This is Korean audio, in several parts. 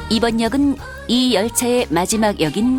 이번 역은 이 열차의 마지막 역인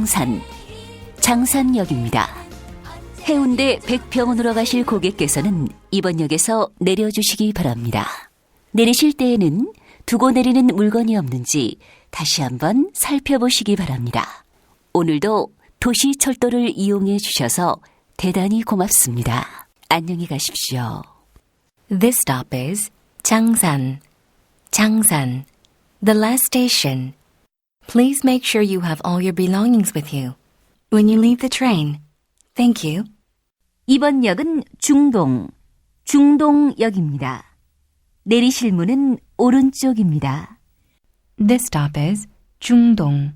장산역입니다. 해운대 백평원으로 가실 고객께서는 이번 역에서 내려주시기 바랍니다. 내리실 때에는 두고 내리는 물건이 없는지 다시 한번 살펴보시기 바랍니다. 오늘도 도시철도를 이용해 주셔서 대단히 고맙습니다. 안녕히 가십시오. This stop is Changsan. The last station. Please make sure you have all your belongings with you when you leave the train. Thank you. 이번 역은 중동역입니다. 내리실 문은 오른쪽입니다. This stop is Jungdong.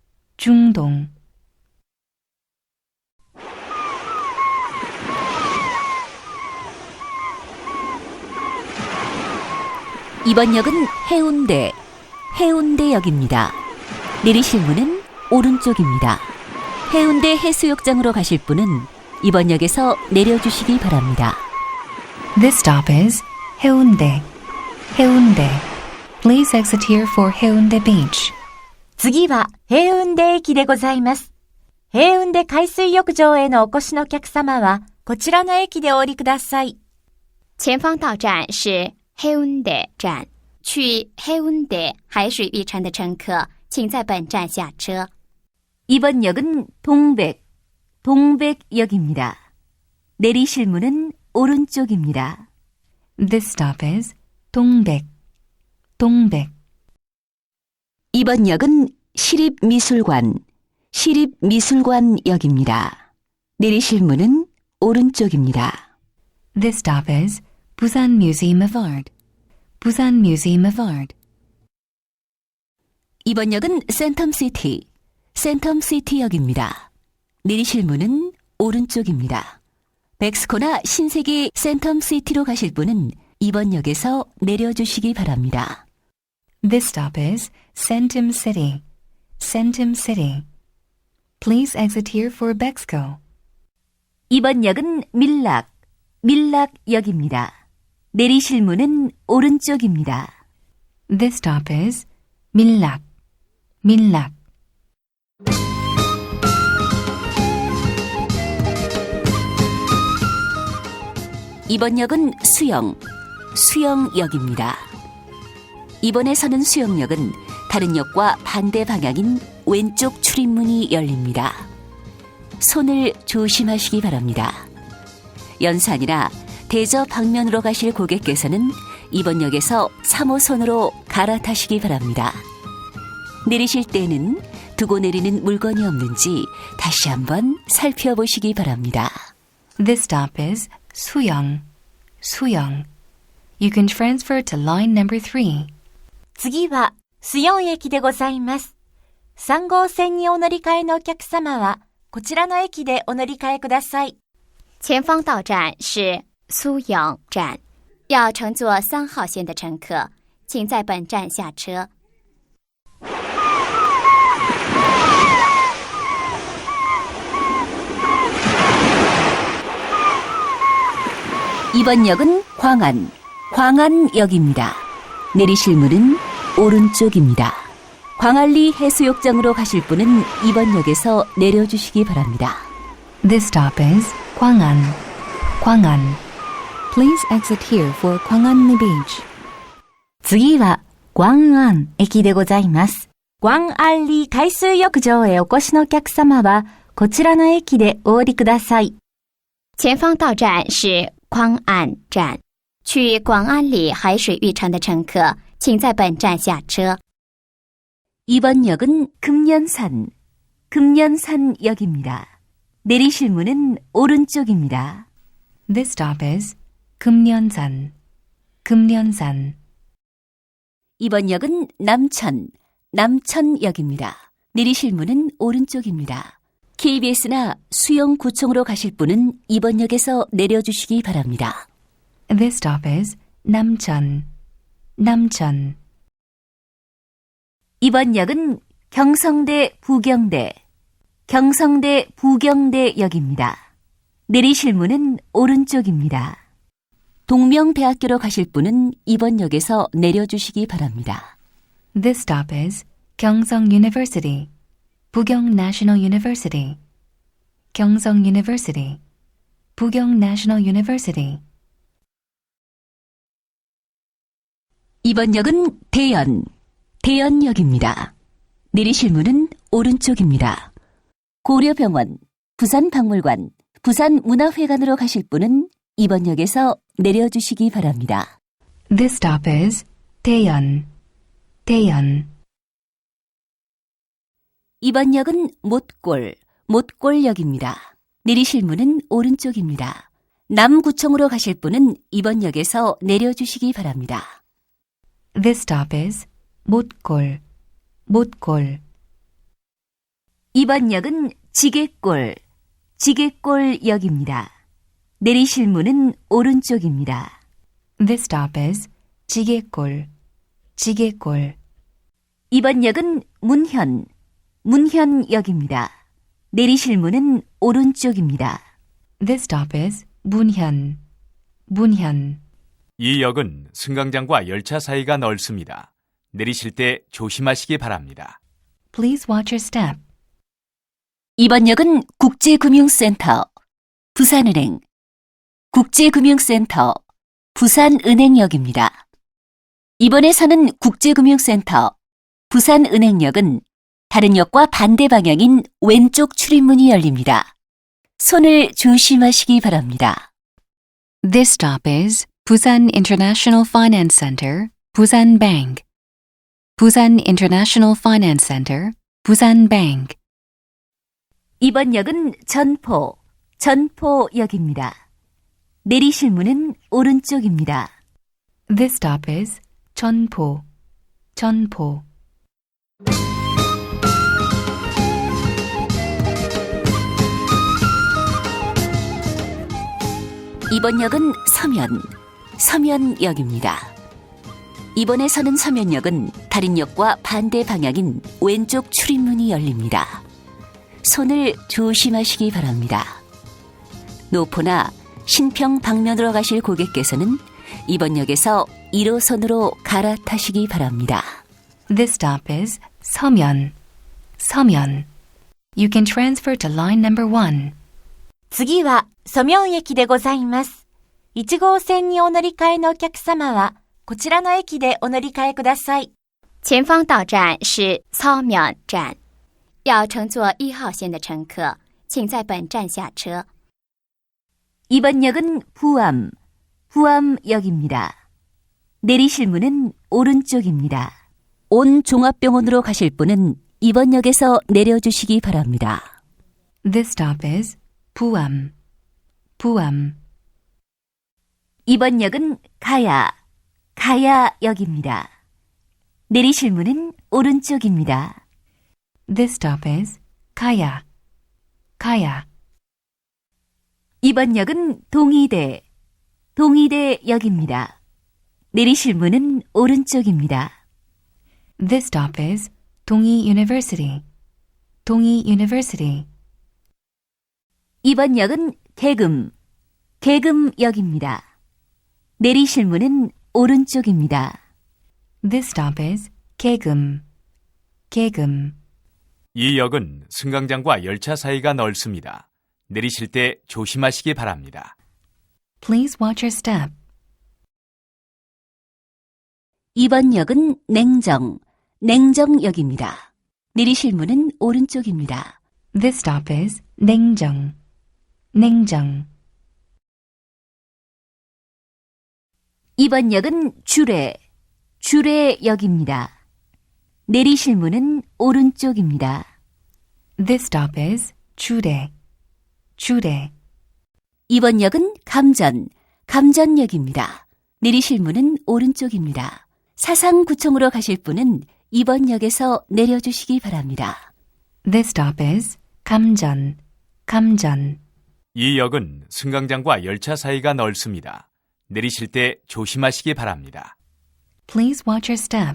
이번 역은 해운대역입니다. 내리실 문은 오른쪽입니다. 해운대 해수욕장으로 가실 분은 이번 역에서 내려주시기 바랍니다. This stop is Haeundae. Please exit here for Haeundae Beach. 次は平運で駅でございます。平運で海水浴場へのお越しのお客様はこちらの駅でお降りください。 前方到站是黑温德站，去黑温德海水浴场的乘客，请在本站下车。 이번 역은 동백역입니다. 내리실 문은 오른쪽입니다. This stop is Dongbaek. 이번 역은 시립미술관역입니다. 내리실 문은 오른쪽입니다. This stop is Busan Museum of Art. 이번 역은 센텀시티역입니다. 내리실 문은 오른쪽입니다. 백스코나 신세계 센텀시티로 가실 분은 이번 역에서 내려주시기 바랍니다. This stop is Centum City. Please exit here for Bexco. 이번 역은 밀락역입니다. 내리실 문은 오른쪽입니다. This stop is Millak. 이번 역은 수영역입니다. 이번에 서는 수영역은 다른 역과 반대 방향인 왼쪽 출입문이 열립니다. 손을 조심하시기 바랍니다. 연산이나 대저 방면으로 가실 고객께서는 이번 역에서 3호선으로 갈아타시기 바랍니다. 내리실 때는 두고 내리는 물건이 없는지 다시 한번 살펴보시기 바랍니다. This stop is Suyong. You can transfer to line number 3. 次はスヨン駅でございます。3号線にお乗り換えのお客様はこちらの駅でお乗り換えください。 前方到站是苏阳站，要乘坐3号线的乘客，请在本站下车。 이번 역은 광안역입니다. 내리실 문은 오른쪽입니다. 광안리 해수욕장으로 가실 분은 이번 역에서 내려주시기 바랍니다. This stop is Gwangan. Please exit here for Gwangan Beach. 次は광안駅でございます。광안리海水浴場へお越しのお客様はこちらの駅でお降りください。 前方到站是광안站，去广安里海水浴场的乘客，请在本站下车。 이번 역은 금년산역입니다. 내리실 문은 오른쪽입니다. This stop is Kumyeonsan. 이번 역은 남천역입니다. 내리실 문은 오른쪽입니다. KBS나 수영구청으로 가실 분은 이번 역에서 내려주시기 바랍니다. This stop is Namcheon. 이번 역은 경성대 부경대역입니다. 내리실 문은 오른쪽입니다. 동명대학교로 가실 분은 이번 역에서 내려주시기 바랍니다. This stop is Gyeongsang University, Bugyeong National University, Gyeongsang University, Bugyeong National University. 이번 역은 대연, 대연역입니다. 내리실 문은 오른쪽입니다. 고려병원, 부산박물관, 부산문화회관으로 가실 분은 이번 역에서 내려주시기 바랍니다. This stop is Daeyeon, Daeyeon. 이번 역은 못골, 못골역입니다. 내리실 문은 오른쪽입니다. 남구청으로 가실 분은 이번 역에서 내려주시기 바랍니다. This stop is Motgol, Motgol. 이번 역은 지게골, 지게골역입니다. 내리실 문은 오른쪽입니다. This stop is Jigegol, Jigegol. 이번 역은 문현, 문현역입니다. 내리실 문은 오른쪽입니다. This stop is Bunhyun, Bunhyun. 이 역은 승강장과 열차 사이가 넓습니다. 내리실 때 조심하시기 바랍니다. Please watch your step. 이번 역은 국제금융센터, 부산은행, 국제금융센터, 부산은행역입니다. 이번에 서는 국제금융센터, 부산은행역은 다른 역과 반대 방향인 왼쪽 출입문이 열립니다. 손을 조심하시기 바랍니다. This stop is Busan International Finance Center, Busan Bank. Busan International Finance Center, Busan Bank. 이번 역은 전포, 전포역입니다. 내리실 문은 오른쪽입니다. This stop is Cheonpo, Cheonpo. 이번 역은 서면, 서면역입니다. 이번에 서는 서면역은 다른 역과 반대 방향인 왼쪽 출입문이 열립니다. 손을 조심하시기 바랍니다. 노포나 신평 방면으로 가실 고객께서는 이번 역에서 1호선으로 갈아타시기 바랍니다. This stop is Seomyeon, Seomyeon. You can transfer to line number 1. 次は、ソミョン駅でございます。1号線にお乗り換えのお客様は、こちらの駅でお乗り換えください。 前方到站是操苗站，要乘坐1号线的乘客，请在本站下车。 이번 역은 부암, 부암역입니다. 내리실 문은 오른쪽입니다. 온 종합병원으로 가실 분은 이번 역에서 내려주시기 바랍니다. This stop is Puam, Puam. 이번 역은 가야, 가야역입니다. 내리실 문은 오른쪽입니다. This stop is Kaya, Kaya. 이번 역은 동의대, 동의대역입니다. 내리실 문은 오른쪽입니다. This stop is Donghi University, Donghi University. 이번 역은 계금, 계금역입니다. 내리실 문은 오른쪽입니다. This stop is Kaegum, Kaegum. 이 역은 승강장과 열차 사이가 넓습니다. 내리실 때 조심하시기 바랍니다. Please watch your step. 이번 역은 냉정, 냉정역입니다. 내리실 문은 오른쪽입니다. This stop is Naengjeong, Naengjeong. 이번 역은 주례, 주례역입니다. 내리실 문은 오른쪽입니다. This stop is Chudae, Chudae. 이번 역은 감전, 감전역입니다. 내리실 문은 오른쪽입니다. 사상구청으로 가실 분은 이번 역에서 내려주시기 바랍니다. This stop is Kamjeon, Kamjeon. 이 역은 승강장과 열차 사이가 넓습니다. 내리실 때 조심하시기 바랍니다. Please watch your step.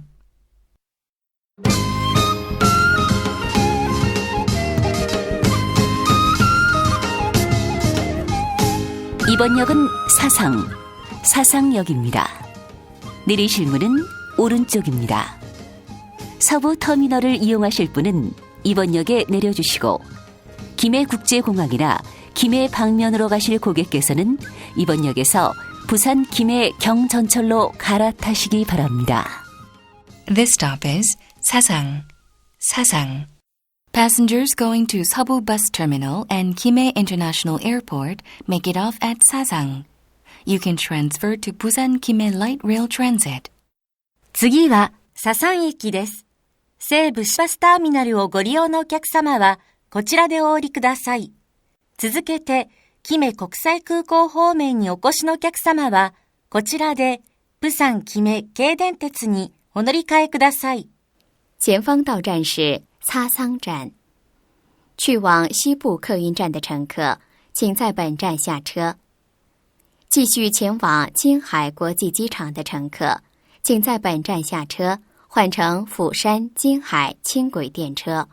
이번 역은 사상, 사상역입니다. 내리실 문은 오른쪽입니다. 서부 터미널을 이용하실 분은 이번 역에 내려주시고 김해국제공항이나 김해 방면으로 가실 고객께서는 이번 역에서 부산 김해 경전철로 갈아타시기 바랍니다. This stop is Sasang. Sasang. Passengers going to Seobu Bus Terminal and Kimhae International Airport make it off at Sasang. You can transfer to Busan Kimhae Light Rail Transit. 次は、ササン駅です。西武バスターミナルをご利用のお客様は、こちらでお降りください。続けて、キメ国際空港方面にお越しのお客様は、こちらで、釜山キメ京電鉄にお乗り換えください。 前方到站是擦桑站。去往西部客运站的乘客，请在本站下车。继续前往金海国际机场的乘客，请在本站下车，换乘釜山金海轻轨电车。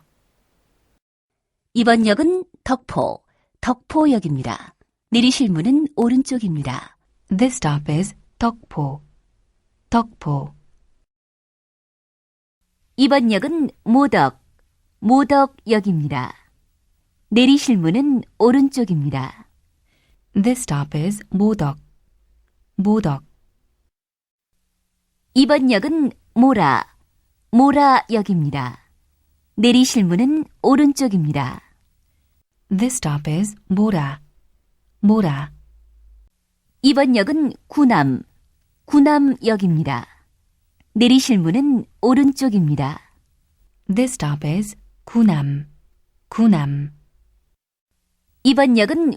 이번 역은 덕포역입니다. 내리실 문은 오른쪽입니다. This stop is Deokpo. Deokpo. 이번 역은 모덕역입니다. 내리실 문은 오른쪽입니다. This stop is Modok. Modok. 이번 역은 모라역입니다. 내리실 문은 오른쪽입니다. This stop is Mora. Mora. 이번 역은 구남역입니다. 내리실 문은 오른쪽입니다. This stop is Gunam. Gunam. 이번 역은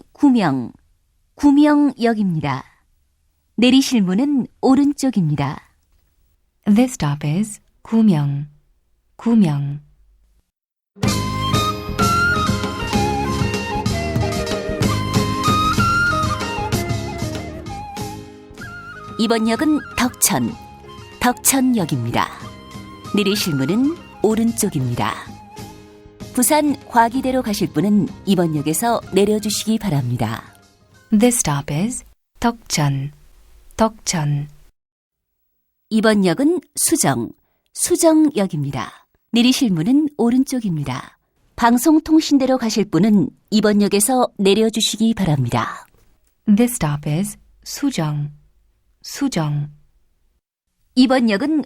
구명역입니다. 내리실 문은 오른쪽입니다. This stop is Gumyeong. Gumyeong. 이번 역은 덕천역입니다. 내리실 문은 오른쪽입니다. 부산 과기대로 가실 분은 이번 역에서 내려주시기 바랍니다. This stop is Deokjeon. Deokjeon. 이번 역은 수정역입니다. 내리실 문은 오른쪽입니다. 방송통신대로 가실 분은 이번 역에서 내려주시기 바랍니다. This stop is Sujong. Sujong. 이번 역은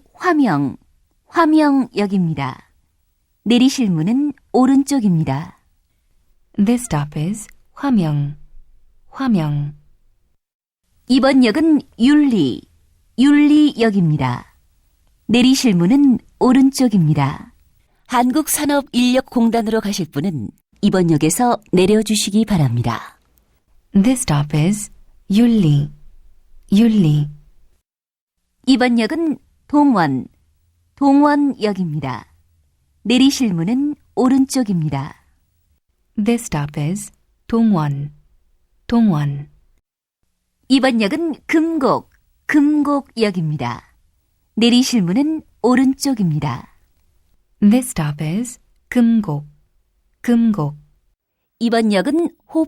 화명역입니다. 내리실 문은 오른쪽입니다. This stop is Hwamyeong. Hwamyeong. 이번 역은 윤리역입니다. 내리실 문은 오른쪽입니다. 한국산업인력공단으로 가실 분은 이번 역에서 내려주시기 바랍니다. This stop is Yulli. Yulli. 이번 역은 동원역입니다. 내리실 문은 오른쪽입니다. This stop is Dongwon. Dongwon. 이번 역은 금곡역입니다. 내리실 문은 오른쪽입니다. This stop is Geumgok. Geumgok. 이번 역은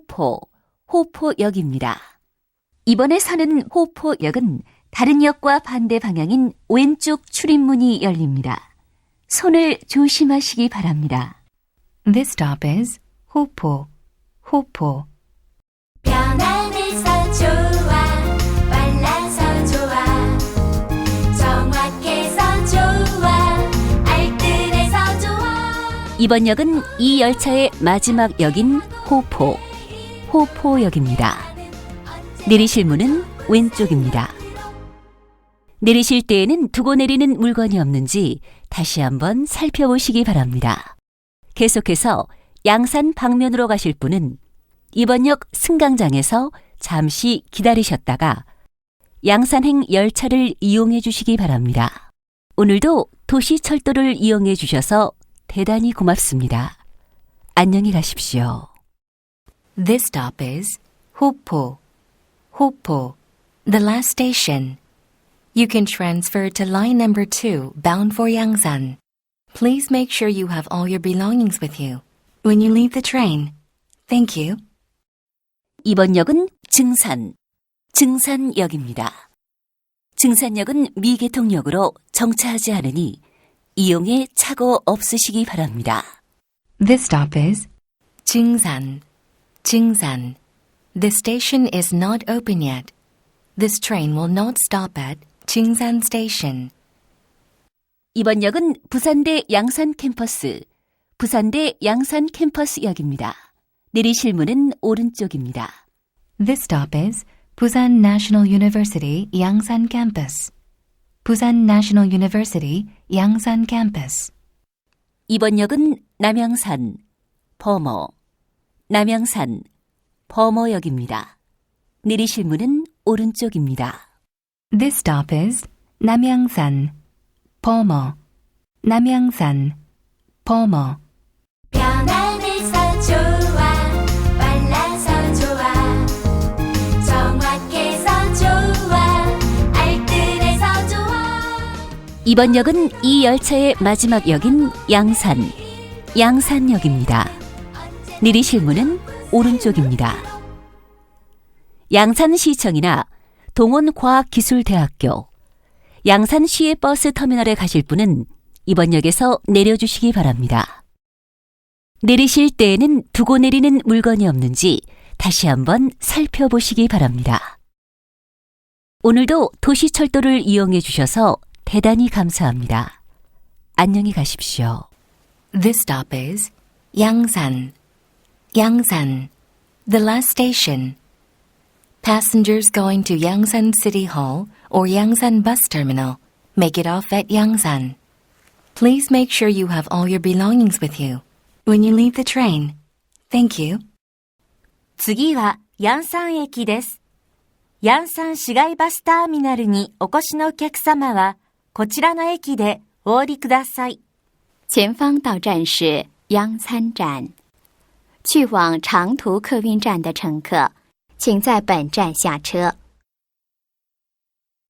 호포역입니다. 이번에 서는 호포역은 다른 역과 반대 방향인 왼쪽 출입문이 열립니다. 손을 조심하시기 바랍니다. This stop is Hopo. Hopo. 편안해서 좋아 빨라서 좋아 정확해서 좋아 알뜰해서 좋아 이번 역은 이 열차의 마지막 역인 호포역입니다. 내리실 문은 왼쪽입니다. 내리실 때에는 두고 내리는 물건이 없는지 다시 한번 살펴보시기 바랍니다. 계속해서 양산 방면으로 가실 분은 이번 역 승강장에서 잠시 기다리셨다가 양산행 열차를 이용해 주시기 바랍니다. 오늘도 도시철도를 이용해 주셔서 대단히 고맙습니다. 안녕히 가십시오. This stop is Hopo. Hopo. The last station. You can transfer to line number 2 bound for Yangsan. Please make sure you have all your belongings with you when you leave the train. Thank you. 이번 역은 증산역입니다. 증산역은 미개통역으로 정차하지 않으니 이용에 착오 없으시기 바랍니다. This stop is Jingsan. Jingsan. This station is not open yet. This train will not stop at Jingsan Station. 이번 역은 부산대 양산 캠퍼스, 부산대 양산 캠퍼스역입니다. 내리실 문은 오른쪽입니다. This stop is Busan National University Yangsan Campus. Busan National University Yangsan Campus. 이번 역은 남양산, 범어, 남양산, 범어역입니다. 내리실 문은 오른쪽입니다. This stop is Namyangsan. Pomo. Namyangsan. Pomo. 편안해서 좋아 빨라서 좋아 정확해서 좋아 알뜰해서 좋아 이번 역은 이 열차의 마지막 역인 양산, 양산역입니다. 내리실 문은 오른쪽입니다. 양산시청이나 동원과학기술대학교, 양산시외버스 터미널에 가실 분은 이번 역에서 내려주시기 바랍니다. 내리실 때에는 두고 내리는 물건이 없는지 다시 한번 살펴보시기 바랍니다. 오늘도 도시철도를 이용해 주셔서 대단히 감사합니다. 안녕히 가십시오. This stop is Yangsan. Yangsan. The last station. Passengers going to Yangsan City Hall or Yangsan Bus Terminal make it off at Yangsan. Please make sure you have all your belongings with you when you leave the train. Thank you. 次はヤンサン駅です。ヤンサン市街バスターミナルにお越しのお客様は、こちらの駅でお降りください。 前方到站是央参站。去往长途客运站的乘客，请在本站下车。